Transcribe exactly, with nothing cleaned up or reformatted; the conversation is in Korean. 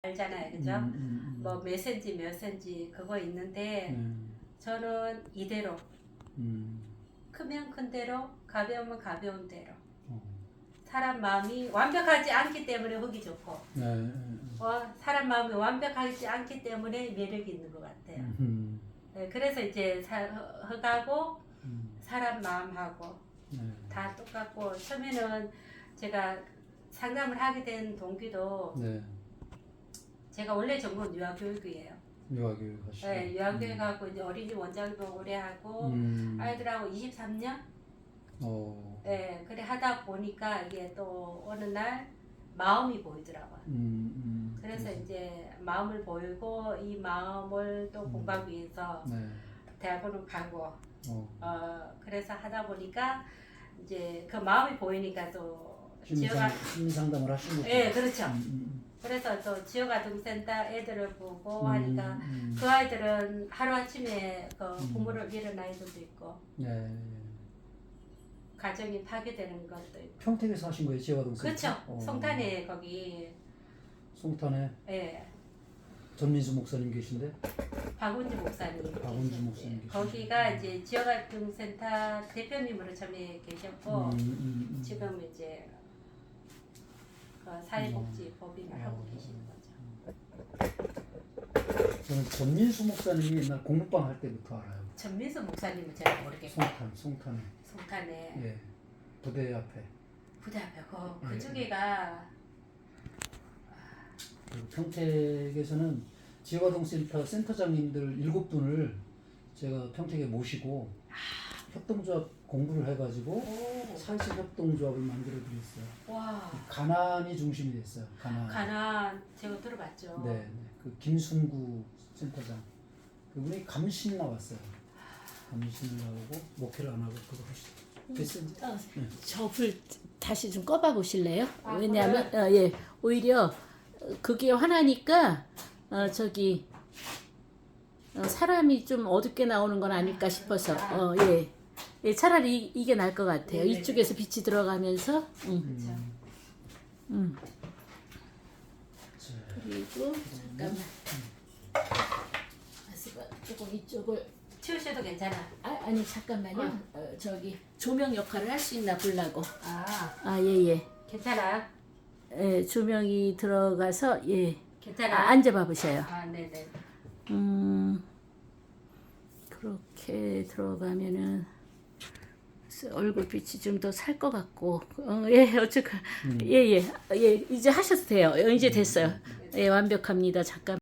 알잖아요, 그죠? 음, 음, 음. 뭐 몇 센치 몇 센치 그거 있는데 음, 저는 이대로 음, 크면 큰 대로 가벼우면 가벼운 대로 어. 사람 마음이 완벽하지 않기 때문에 흙이 좋고 네, 음, 어, 사람 마음이 완벽하지 않기 때문에 매력이 있는 것 같아요. 음, 네, 그래서 이제 사, 흙하고 음, 사람 마음하고 네, 다 똑같고 처음에는 제가 상담을 하게 된 동기도 네, 제가 원래 전공 유아교육이에요. 유아교육 하시고. 네, 유아교육하고 이제 어린이 원장도 오래 하고 음, 아이들하고 이십삼 년 어, 네, 그래 하다 보니까 이게 또 어느 날 마음이 보이더라고요. 음, 음, 그래서 그래서, 이제 마음을 보이고 이 마음을 또 음. 공부하기 위해서 네, 대학원을 가고 어, 어 그래서 하다 보니까 이제 그 마음이 보이니까 또 지역 심리상, 심리상담을 하신 거죠? 예 그렇죠. 음, 음, 그래서 또 지역아동센터 애들을 보고 음, 하니까 음, 그 아이들은 하루 아침에 그 음. 부모를 잃은 아이들도 있고 네. 가정이 파괴되는 것도 있고 평택에서 하신 거예요, 지역아동센터? 그렇죠. 어, 송탄에 거기 송탄에 예 전민수 목사님 계신데? 박운주 목사님 박운주 계셨는데 목사님 계시죠. 거기가 이제 지역아동센터 대표님으로 처음에 계셨고 음, 음, 음. 지금 이제 그 사회복지 법인을 음. 하고 어. 계시는 거죠. 저는 전민수 목사님이 옛날 공부방 할 때부터 알아요. 전민수 목사님은 제가 모르겠고 송탄, 송탄에. 송탄에 예. 부대 앞에. 부대 앞에 그, 예. 그쪽에가 그리고 평택에서는 지역아동센터 센터장님들 일곱 분을 제가 평택에 모시고 협동조합 공부를 해가지고 오, 사회적 협동조합을 만들어 드렸어요. 와 가난이 중심이 됐어요. 가난. 가난 제가 들어봤죠. 네, 네. 그 김순구 센터장 그분이 감신 나왔어요. 감신을 나오고 목회를 안 하고 그거 하시죠. 됐어요. 이제? 어, 네. 저 불 다시 좀 꺼봐 보실래요? 아, 왜냐하면 어, 예 오히려 어, 그게 화나니까 어, 저기 어, 사람이 좀 어둡게 나오는 건 아닐까 싶어서 어, 예. 예 차라리 이, 이게 나을 것 같아요. 네네. 이쪽에서 빛이 들어가면서 음, 그렇죠. 음. 자, 그리고 잠깐만 아스바 조금 이쪽을 치우셔도 괜찮아. 아, 아니 잠깐만요. 어, 저기 조명 역할을 할 수 있나 보려고. 아 아 예예. 괜찮아. 예, 조명이 들어가서 예. 괜찮아. 아, 앉아봐 보세요. 아 네네. 음, 그렇게 들어가면은 얼굴빛이 좀 더 살 것 같고, 어, 예, 어쨌건, 예, 예, 예, 이제 하셔도 돼요. 어, 이제 됐어요. 예, 완벽합니다. 잠깐.